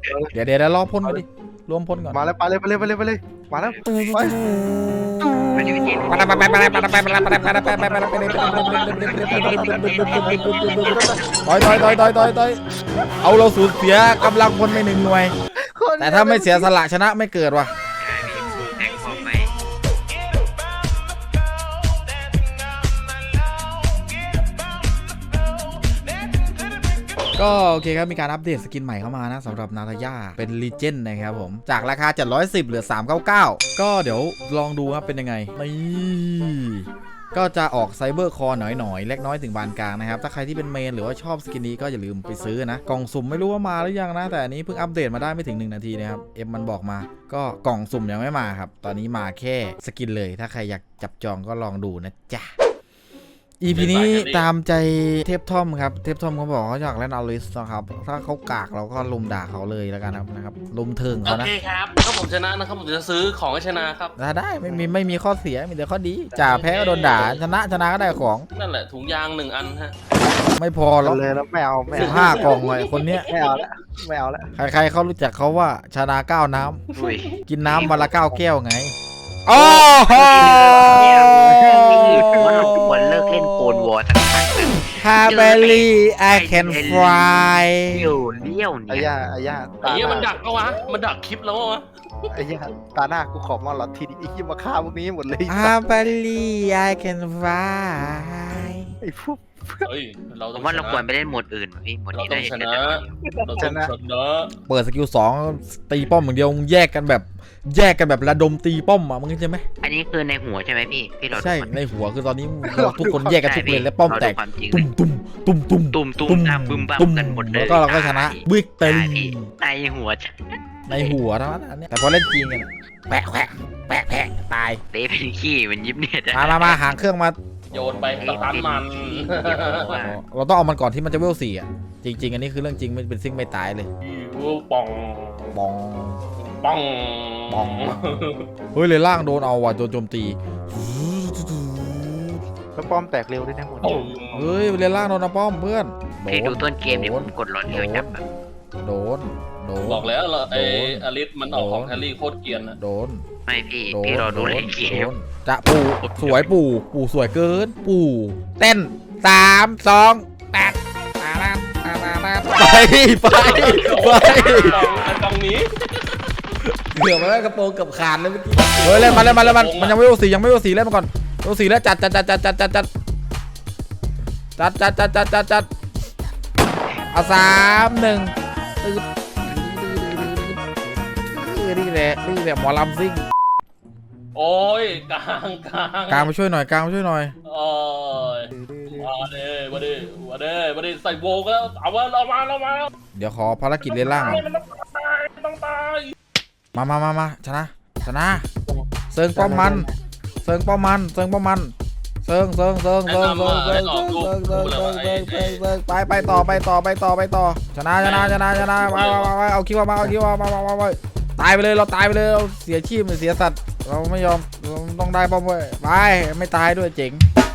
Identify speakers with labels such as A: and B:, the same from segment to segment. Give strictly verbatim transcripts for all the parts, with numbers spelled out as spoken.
A: เดี๋ยวเดี๋ยวรอพ่นก่อนดิรวมพ่นก่อน
B: มาแล้วไปเลยไปเลยไปเลยไปเลยมาแล้วไป
A: ไปไปไปไปไปไปไปไปไปไปไปไปไปต่อยต่อยต่อยต่อยต่อยต่อยเอาเราสูญเสียกำลังพลไปหนึ่งหน่วยแต่ถ้าไม่เสียสละชนะไม่เกิดว่ะก็โอเคครับมีการอัปเดตสกินใหม่เข้ามานะสำหรับนาตาย่าเป็นลีเจนด์นะครับผมจากราคาเจ็ดร้อยสิบเหลือสามร้อยเก้าสิบเก้าก็เดี๋ยวลองดูครับเป็นยังไงนี่ก็จะออกไซเบอร์คอร์หน่อยๆเล็กน้อยถึงบานกลางนะครับถ้าใครที่เป็นเมนหรือว่าชอบสกินนี้ก็อย่าลืมไปซื้อนะกล่องสุ่มไม่รู้ว่ามาหรือยังนะแต่อันนี้เพิ่งอัปเดตมาได้ไม่ถึงหนึ่งนาทีนะครับเอ็มมันบอกมาก็กล่องสุ่มยังไม่มาครับตอนนี้มาแค่สกินเลยถ้าใครอยากจับจองก็ลองดูนะจ๊ะอีพีนี้ตามใจเทพทอมครับเทพทอมเขาบอกเขาอยากเล่นอลิสนะครับถ้าเขากากเราก็ลุมด่าเขาเลยแล้วกันนะครับลุมเทิงเขานะ
C: โอเคครับถ้าผมชนะนะครับผมจะซื้อของให้ชนะครับ
A: ได้ไม่มีไม่มีข้อเสียมีแต่ข้อดีจ่าแพ้ก็โดนด่าชนะชนะก็ได้ของ
C: นั่นแหละถุงยางหนึ่งอันฮะ
A: ไม่พอหรอก
B: เลยแล้วไม่เอาไม่
A: สิ
B: เอา
A: บห้ากล่องเลยคนเนี้ย
B: ไม่เอาแล้วไม่เอาแล้ว
A: ใครๆเขารู้จักเขาว่าชนะเก้าน้ำกินน้ำวันละเก้าแก้วไง
D: โอ้โหผมว่าเราควรเลิกเล่นโกนวอร์สักพักหนึ่ง
A: ฮาเบลลี่ I can fly
D: อยู่เลี้ยวเนี่
B: ไอ้
D: ย
B: ย่าไอ้ย่า
C: ไอ้เหี้ยมันดักเอาวะมันดักคลิปแล้ววะ
B: ไอ้ย่าตาหน้ากูขอมาหลอดทีนี้ไอ้ยี่มาฆ่าพวกนี้หมดเลย
A: ฮาเบลลี่ I can fly
B: ไอ้พวก
C: เฮ้ยเรา
D: ผ
C: ต้อง
D: มว่าเราควรไปเล่นโหมดอื่นพี่โหมด
C: เรา
D: นี้
C: ต้อ
D: ได้
C: งช
D: ช
C: นะ
D: นะ
C: เราต้องชนะ
A: เปิดสกิลสองตีป้อมอย่างเดียวแยกกันแบบแยกกันแบบระดมตีป้อมอ่ะมึงใช่ไหม
D: อันนี้คือในหัวใช่ไหมพี่พี่เรา
A: ใช่ในหัวคือตอนนี้ทุกคนแยกกันทุกเลนและป้อมแตกตุ้มตุ้มตุ้มตุ้ม
D: ตุ้มตุ้มตามบึ้มบ้ามกันหมดเลย
A: แล้วก็เราก็ชนะวิกเตอรี่
D: ในหัว
A: ในหัวเท่านั้นอันนี้แต่พอเล่นจริงกันแปะแปะแปะแปะตาย
D: เละเป็นขี้มันยิบเนี่ย
A: มามามาหางเครื่องมา
C: โยนไปสตันมัน
A: เราต้องเอามันก่อนที่มันจะเวลสี่อ่ะจริงๆอันนี้คือเรื่องจริงไม่เป็นซิ่งไม่ตายเลย
C: วูปอง
A: บอง
C: ปอง
A: บองเฮ้ยเลยล่างโดนเอาว่ะโดนโจมตี
B: แล้วป้อมแตกเร็วด้วยนะหมด
A: เฮ้ยเลยล่างโดนนะป้อมเพื่อนโด
D: พี่ดู
A: น
D: ต้นเกมเนี่ยผมกดหลอดเร็วจับแบบ
A: โดนโดน
C: บอกแล้วไอ้อลิสมันออกของแฮร์รี่โคตรเกรียนนะ
A: โดน
D: ไม่พี่พี่รอดูเล่นเกม
A: จะปู่สวยปู่ปู่สวยเกินปู่เต้นสามสองแปดไปไปไป
C: ตรงนี้
A: เกือบมาแล้วกระโปรงกับขาดเลยเมื่อกี้เฮ้ยเล่นมาเล่นมาเล่นมันมันยังไม่โอสียังไม่โอสีเล่นมาก่อนโอสีแล้วจัดจัดจัดจัดจัดจัดจัดจัดจัดจัดจัดจัดจัดเอาสามหนึ่งตื่นนี่แหละนี่แหละหมอลำซิ่ง
C: โอ้ยกลางกลาง
A: กลางมาช่วยหน่อยกลางมาช่วยหน่อย
C: โอ้ยมาเด้มาเด้มาเด้มาเด้ใส่โวก็เอาว่าเรามาเรามา
A: เดี๋ยวขอภารกิจเล่นล่างก่อน
C: ต้องตายต้องตาย
A: มามามามาชนะชนะเซิงป้อมมันเซิงป้อมมันเซิงป้อมมันเซิงเซิงเซิงเซิงเซิงเซิงเซิงเซิงเซิงเซิงเซิงเซิงเซิงไปไปต่อไปต่อไปต่อไปต่อชนะชนะชนะชนะมามามาเอาคิวมาเอาคิวมามามามาตายไปเลยเราตายไปเลยเราเสียชีพเสียสัตว์เราไม่ยอมเราต้องได้ป้อมเว้ยไปไม่ตายด้วยเจ๋ง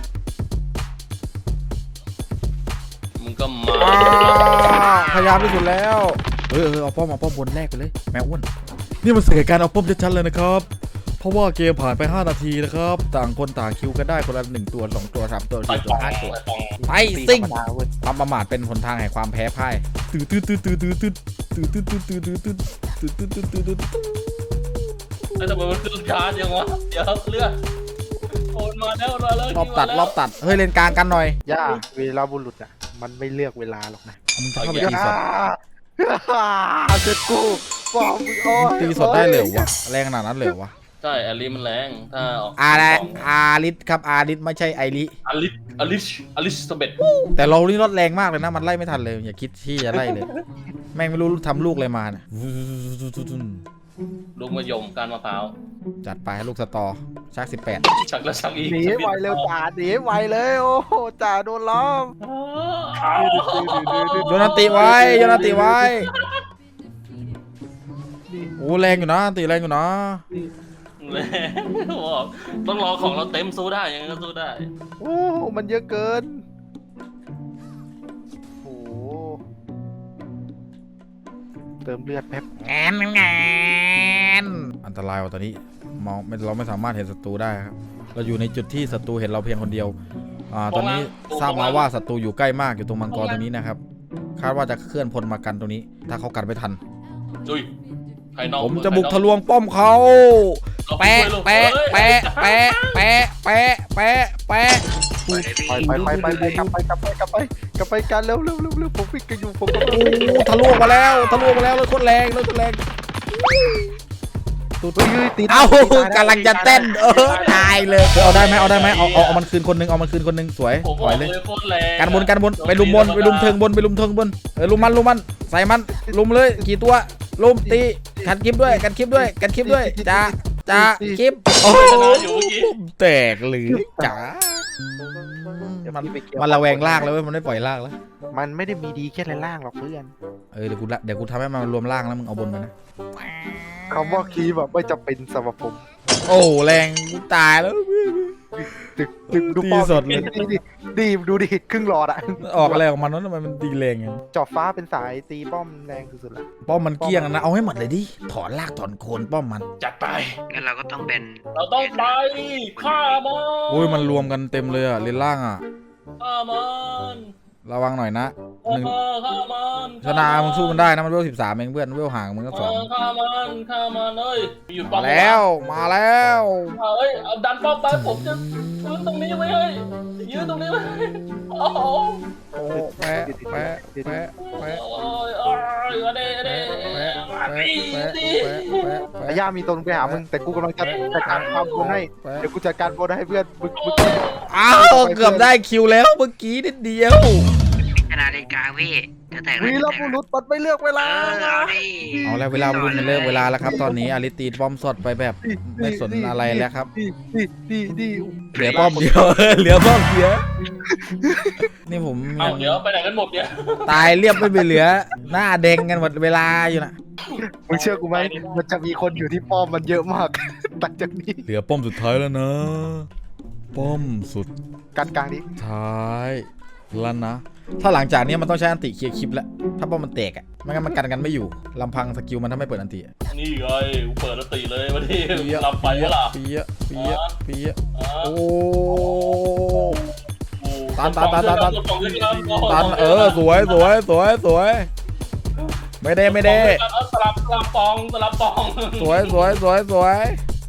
C: มึงก็มา
A: พยายามที่สุดแล้วเออเอาป้อมเอาป้อมบนแรกไปเลยแมวอ้วนนี่มันเสียการเอาป้อมชัดๆเลยนะครับเพราะว่าเกมผ่านไปห้านาทีนะครับต่างคนต่างคิวกันได้คนละหนึ่งตัวสองตัวสามตัวสี่ตัวห้าตัวไปซิ่งความประมาทเป็นหนทางแห่งความแพ้พ่ายตื้อตื้อตื้อตื้อตื้อตื้อตื้อตื้อตื้อตื้อตื้อตื้อตื้อตื้อตื้อตื้อตื้อตื้อ
C: ไอ้ทำไมมันขึ้นช้าจังวะเดี๋ยวเลือดโอนมาแล้วมาแล้ว
A: รอบตัดรอบตัดเฮ้ยเลนกลางกันหน่อย
B: ย่าเวลาบุรุษอ่ะมันไม่เลือกเวลาหรอกนะ
A: มึงจะเข้าไปตีสด
B: เสร็จกูบอกมึงโอ้ย
A: ตีสดได้เลยวะแรงขนาดนั้นเลยวะ
C: ใช่แอลลี่มันแรงถ้าออก
A: อาร์อาริสครับอาริสไม่ใช่ไอริ
C: อลิสอลิสอลิสเบต
A: แต่เรานี่รถแรงมากเลยนะมันไล่ไม่ทันเลยอย่าคิดที่จะไล่เลยแม่งไม่รู้ทำลูกอะไรมาเนี่ย
C: ลูกมะยมการมะพร้าว
A: จัดไปลูกสตอชักสิบแปด
C: ชักแล้วชักอีก
B: หนีไวเร็วจ่าหนีไวเลยโอ้โหจ่าโดนล้อม
A: โยนตีไว้โยนตีไว้โอ้แรงอยู่นะตีแรงอยู่นะ
C: ต้องรอของเราเต็มสู้ได้ยังไงก็สู้ได้
B: โอ้มันเยอะเกินโอ้เติมเลือดแป๊บ
A: แงนแงนอันตรายว่ะตอนนี้มองไม่เราไม่สามารถเห็นศัตรูได้ครับเราอยู่ในจุดที่ศัตรูเห็นเราเพียงคนเดียวอ่าตอนนี้ทราบมาว่าศัตรูอยู่ใกล้มากอยู่ตรงมังกรตรงนี้นะครับคาดว่าจะเคลื่อนพลมากันตรงนี้ถ้าเขากันไม่ทัน
C: อุ้ยใครน้อง
A: ผมจะบุกทะลวงป้อมเขาแปะแปะแปะแปะแปะแปะแปะแปะ
D: ปล่อยเลยพี่
B: ไปไปไปไปไปกลับไปกลับไปกลับไปกลับไปกันเร็วเร็วเร็วเร็วผมวิ่งกันอยู่ผมก็
A: โอ้ทะลวงมาแล้วทะลวงมาแล้วเลยโคตรแรงเลยโคตรแรงตุ๊ด
B: เฮ้ยเฮ้ยตี
A: เอ้ากำลังจะเต้นเออตายเลยเอาได้ไหมเอาได้ไหมเอาเอาเอามันคืนคนนึงเอามันคืนคนนึงสวย
C: ผม
A: ป
C: บ
A: ล่
C: อ
A: อย
C: ก
A: เล
C: เลย ยโคตรแรง
A: กันบนกันบนไปลุมบนไปลุมเทิงบนไปลุมเทิงบนเออลุมมันลุมมันใส่มันลุมเลยกี่ตัวลุมตีกันคลิปด้วยกันคลิปด้วยกันคลิปด้วยจ้าจ้าคลิปโอ้
C: ชนะอยู่เมื่อกี้
A: แตกหรือจ๋ามันมันระแวงลากแล้วเว้ยมันไม่ปล่อยลากแล้ว
B: มันไม่ได้มีดีแค่ในล่างหรอกเพื่อน
A: เออเดี๋ยวกูละเดี๋ยวกูทำให้มันรวมล่างแล้วมึงเอาบนไปนะ
B: คำว่าคีแบบไม่จำเป็นสำหรับผม
A: โอ้แรงกูตายแล้ว
B: ดึกดึกดู
A: ตี
B: ป้อม
A: สดเลย
B: ดีดิดีดูดิครึ่งหลอดอะ
A: ออกอะไรออกมานั้นทำไมมันตีแรงอย่าง
B: จอบฟ้าเป็นสายตีป้อมแรงสุดๆละ
A: ป้อมมันเกลี้ยงนะเอาให้หมดเลยดิถอนลากถอนโคนป้อมมัน
C: จัดไป
D: งั้นเราก็ต้องเป็น
C: เราต้องไปฆ่ามัน
A: โอ้ยมันรวมกันเต็มเลยอะเลนล่างอะ
C: ฆ่ามัน
A: ระวังหน่อยนะหนึ่ง
C: ฆ่ามัน
A: ชนะมึงสู้มันได้นะมันเวลสิบสามเองเพื่อนเวลห่างมึงก็สอง
C: ฆ่ามันฆ่ามันเอ้ยหยุดป้อ
A: มาม แล้วมาแล้ว
C: เอ้ยเอาดันป้อมไปผมจะยืนตรงนี้ไว้เฮ้ยยืนตรงนี้ไว้โอ้โห
A: โอ้แปะแปะแปะแปะ
C: โอ้ยโอ้ยเอาเด้เอาเด้
A: แปะแปะแปะแปะแปะ
B: ไอ้ย่ามีตนไปหามึงแต่กูกำลังจะจัดการความบนให้เดี๋ยวกูจัดการบนให้เพื่อนมึงมึง
A: อ้าวเกือบได้คิวแล้วเมื่อกี้นิดเดียว
D: ชนะเลนกลางพี่จะแตก
B: วีรบุรุษปัดไม่เลือกเว
D: เอ
B: ลา
D: อเอาดิ
A: เอาแล้วเวลารุ่นมันเลิกเวลาแล้วครับตอนนี้อลิตีป้อมสดไปแบบไม่สนอะไรแล้วครับ
B: ดีดีดีดี
A: เหลือป้อมเดียว เหลือป้อมเดียวนี่ผม
C: เอา
A: ยัง
C: เดี๋ยวไปไหนกันหมดเนี่ย
A: ตายเรียบไม่ไปเหลือ หน้าแดงกันหมดเวลาอยู่นะ
B: มึงเชื่อกูไหมมันจะมีคนอยู่ที่ป้อมมันเยอะมากหลังจากนี้
A: เหลือป้อมสุดท้ายแล้วนะ ป้อมสุด
B: การกลางนี้
A: ท้ายแล้วนะ ถ้าหลังจากนี้มันต้องใช้อันติเคลียร์คลิปแล้วถ้าป้อมมันแตกอ่ะไม่งั้นมันกันกันไม่อยู่ลำพังสกิลมันถ้าไม่เปิดอันติอะ
C: นี่ไงกูเปิดแล้วตีเลยวันนี้
A: เปียะ
C: รับไปวะล่ะ
A: เปียะเปียะเปียะ
C: อ่า
A: โอ้
C: โอ้
A: ตันตันตันตันตัน
C: กดกล่องด้วยกัน
A: ตันเออสวยสวยสวยสวยไม่ได้ไม่ได้
C: เอาสลับสลับปองสลับปอง
A: สวยสวยสวยสวย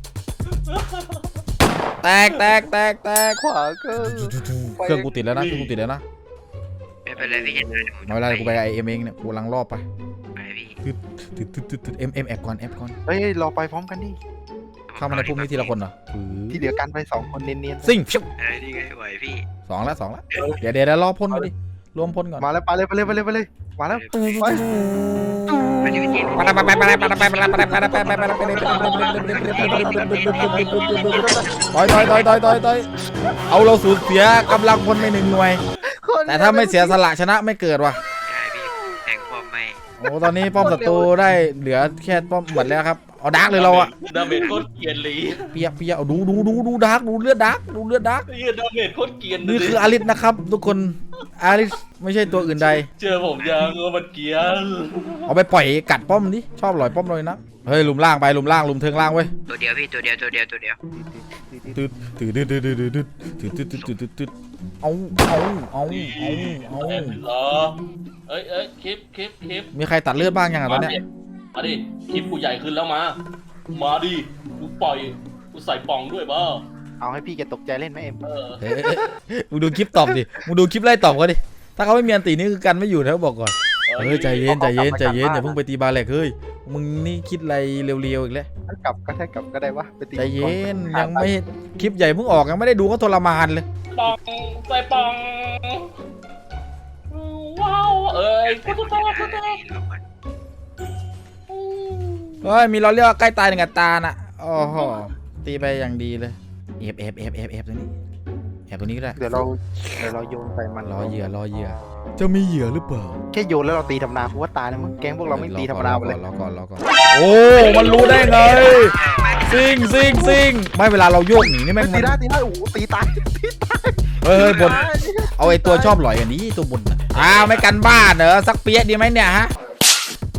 A: แตกแตกแตกแตก
B: ขวาก็
A: เครื่องกูติดแล้วนะเครื่องกูติดแล้วนะ
D: ไม่เป็นไรพี่จะได้ผม
A: ไม่เป็นไรกูไปไอเอ็มเองเนี่ยกูกำลังรอบไป
D: ไปพี่
A: ตึ๊ดตึ๊ดตึ๊ดตึ๊ดเอ็มเอ็มแอบก่อนแอบก่อน
B: เฮ้ยเราไปพร้อมกันดิ
A: เข้ามาในพุ่มนี้ทีละคนเหรอ
B: ที่เหลือกันไปสองคนเนียน
A: ซิ่งชิว
D: เออนี่ไงไหวพี่
A: สองแล้วสองแล้วเดี๋ยวเดี๋ยวเดี๋ยวรอพ่นก่อนดิรวมพ่นก่อน
B: ๆมาแล้วไปเลยไปเลยไปเลยไปเลยมาแล้วไป
D: ไปดิพี่เจ
A: ไปไปไปไปไปไปไปไปไปไปไปไปไปไปไปไปไปต่อยต่อยต่อยต่อยต่อยต่อยเอาเราสูญเสียกำลังพลไปหนึ่งหน่วย แต่ถ้าไม่เสียสละชนะไม่เกิดว่ะ
D: ใช่พี่แทงป้อมไม่
A: โอ้ตอนนี้ป้อมศัตรูได้เหลือแค่ป้อมหมดแล้วครับเอาดาร์กเลยเราอะ
C: ดาเมจโคตรเกรียนเลย
A: เปียกเปียกเอาดูดูดูดูดาร์กดูเลือดดาร์กดูเลือดดาร์ก
C: ไอ้เหี้ยดาเมจโคตรเกรียน
A: นี่คืออาริสนะครับ ทุกคนอาริสไม่ใช่ตัวอื่นใด
C: เจอผมยังว่ามันเกรียน
A: เอาไปปล่อยกัดป้อมดิชอบหลอยป้อมเลยนะเฮ้ยลุมล่างไปลุมล่างลุมเทิงล่างเว้ย
D: ตัวเดียวพี่ตัวเดียวตัวเดียวตัวเดียว
A: ตืดตืดตืดตืดตืดตืดตืดตืดตืดตืดตืดเอาเอาเอาเอาเอา
C: เหรอเอ้ยเอ้ยคลิปคลิปคลิป
A: มีใครตัดเลือดบ้างยังอ่ะตอนเนี้ย
C: มาดิคลิปกูใหญ่ขึ้นแล้วมามาดิกูปล่อยกูใส่ป่องด้วยบ้า
B: เอาให้พี่แกตกใจเล่นไหมเอ็ม
C: เออ
A: เฮ้ยมึงดูคลิปตอบดิมึงดูคลิปไล่ตอบเขาดิถ้าเขาไม่มีอันตีนี่คือกันไม่อยู่นะบอกก่อนเฮ้ยใจเย็นใจเย็นใจเย็นอย่าเพิ่งไปตีบาแหลกเฮ้ยมึงนี่คิดอะไรเร็วๆอีกแล้ว
B: ถ้ากลับก็ถ้ากลับก็ได้วะไปตี
A: ใจเย็นยังไม่คลิปใหญ่เพิ่งออกยังไม่ได้ดูก็ทรมานเลย
C: ป่องใส่ป่องว้าวเอ้ยกูจะตายกูจะตาย
A: เฮ้ยมีเราเรียกว่าใกล้ตายหนึ่งอัตราน่ะโอ้โหตีไปอย่างดีเลยเอฟเอฟเอฟเอฟเอฟตัวนี้แอบตัวนี้ก็ได้
B: เดี๋ยวเราเดี๋ยวเราโยนไปมัน
A: รอเหยื่อรอเหยื่อจะมีเหยื่อหรือเปล่า
B: แค่โยนแล้วเราตีธรรมดากูว่าตายแล้วมึงแก๊งพวกเราไม่ตีธรรมดาไปเลย
A: รอก่อนรอก่อนโอ้มันรู้ได้ไงซิงซิงซิงไม่เวลาเราโยกหนีนี่แม่ง
B: ตีได้ตีได้โอ้โหตีตาย
A: เฮ้ยบนเอาไอ้ตัวชอบหลอยอันนี้ตัวบนอ้าวไม่กันบ้านเหรอสักเปี๊ยะดีไหมเนี่ยฮะ
C: ตี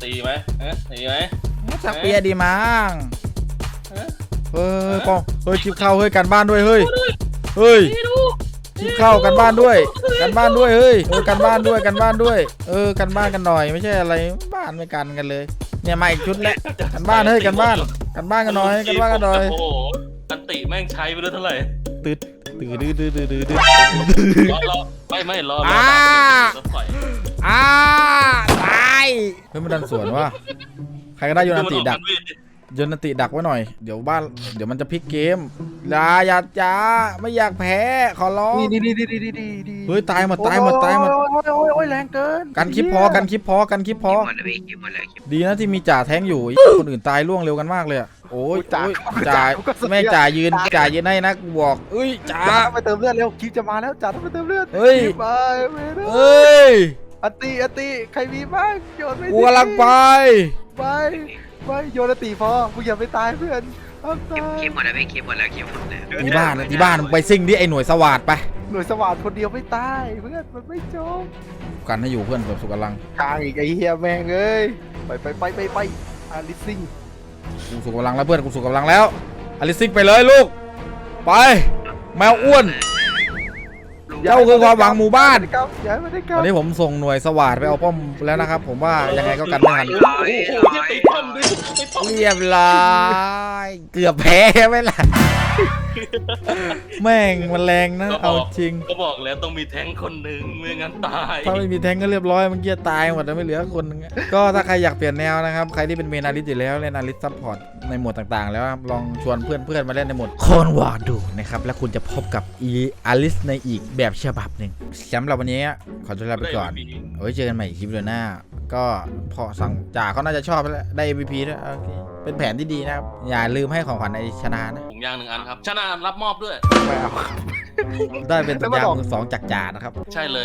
C: ตีไหมฮะตีไหม
A: สักเปียดีมั้ง
C: ฮะ
A: เฮ้ยป้องเฮ้ยคลิปเข้าเฮ้ยกันบ้านด้วยเฮ้ยเฮ้ย
C: นี่ดู
A: คลิปเข้ากันบ้านด้วยกันบ้านด้วยเฮ้ยเออกันบ้านด้วยกันบ้านด้วยเออกันบ้านกันหน่อยไม่ใช่อะไรบ้านไม่กันกันเลยเนี่ยมาอีกชุดแล้วกันบ้านเฮ้ยกันบ้านกันบ้านกันหน่อยกันบ้านกันหน่อย
C: โอ้โหอันติแม่งใช้ไปด้วยเท่าไหร่
A: ตืดตืดดื้อดื้อดื้อดื้อดื้อ
C: รอรอไม่ไม่รอรอ
A: อ่า
C: รถไฟ
A: อ้าตายเฮ้ยมันดันสวนว่ะใครก็ได้โยนอันติดักโยนอันติดักไว้หน่อยเดี๋ยวบ้านเดี๋ยวมันจะพลิกเกมอย่าอย่าจ้าไม่อยากแพ้ขอร้อง
B: นี่นี่นี่นี่นี่นี่นี่
A: เฮ้ยตายหมดตายหมดตายหมด
B: โอ้ยโอ้ยโอ้ยแรงเกิน
A: กันคลิปพอกันคลิปพอกันคลิปพอ
D: หมดเลยพี่คิดหมดเลยคิด
A: ดีนะที่มีจ่าแท้งอยู่ไอ้คนอื่นตายล่วงเร็วกันมากเลยอะโอ้ย
B: จ่า
A: โอ้ยจ่าแม่งจ่ายืนจ่ายืนให้นะกูบอกเอ้ยจ่า
B: จ่าต้องไปเติมเลือดเร็วคลิปจะมาแล้วจ่าต้องไปเติมเลือด
A: เฮ้ย
B: คลิปไปไม่ได้
A: เอ้ย
B: อันตีอันตีใครมีบ้างโยนไม่
A: กูกำลังไป
B: ไปไปโยนอันตีพอมึงอย่าไปตายเพื่อนห้าม
D: คิ
B: ตา
D: ด
B: ย
D: คิดหมดแล้วพี่คิดหมดแล้วคิดหมดแล้ว
A: ที่บ้านนะที่บ้านมึงไปซิ่งดิไอ้หน่วยสวัสดไป
B: หน่วยสว่านคนเดียวไม่ตายเพื่อนมันไม่จบ
A: กันให้อยู่เพื่อนแบบสุกกำลัง
B: กลางอีกไอ้เฮียแม่งเอ้ยไปไปไปไปไปอาริซิง
A: กูสุกกำลังแล้วเพื่อนกูสุกกำลังแล้วอลิซิกไปเลยลูกไปแมวอ้วน เจ้าคือความหวังหมู่บ้าน
B: ย้ายมาได้ค
A: ต
B: รั
A: อบ นนี้ผมส่งหน่วยสวัสดไปเอาป้อมแล้วนะครับผมว่ายังไงก็กันไม่ทัน
D: ร้อย
C: โอ้โห
D: ร้อ
C: จะ
D: ย
C: ตีป้อมด้วยตีป้อม
A: เรียบร้อยเกือบแพ้ไหมล่ะแม่งมันแรงนะเอาจริง
C: ก็บอกแล้วต้องมีแท้งคนหนึ่งไม่งั้นตาย
A: ถ้าไม่มีแทงก็เรียบร้อยเมันเกียตายหมดแล้วไม่เหลือคนนึงอะก็ถ้าใครอยากเปลี่ยนแนวนะครับใครที่เป็นเมนาลิสอยู่แล้วเล่นนาลิสซัพพอร์ตในโหมดต่างๆ แล้วครับลองชวนเพื่อนๆมาเล่นในโหมดโคนวอร์ดูนะครับแล้วคุณจะพบกับอีอาลิสในอีกแบบฉบับหนึ่งสำหรับวันนี้ขอตัวลาไปก่อนเอาไว้เจอกันใหม่คลิปเดือนหน้า ก็พอสั่งจ่าเขาน่าจะชอบแล้วได้ เอ็ม วี พี ด้วยโอเคเป็นแผนที่ดีนะครับอย่าลืมให้ของขวัญในชนะนะ
C: ถุงยางหนึ่งอันครับชนะรับมอบด้วย
B: ไม่เอา
A: ได้เป็นสัญญาณมือสองจากจ่านะครับ
C: ใช่เลย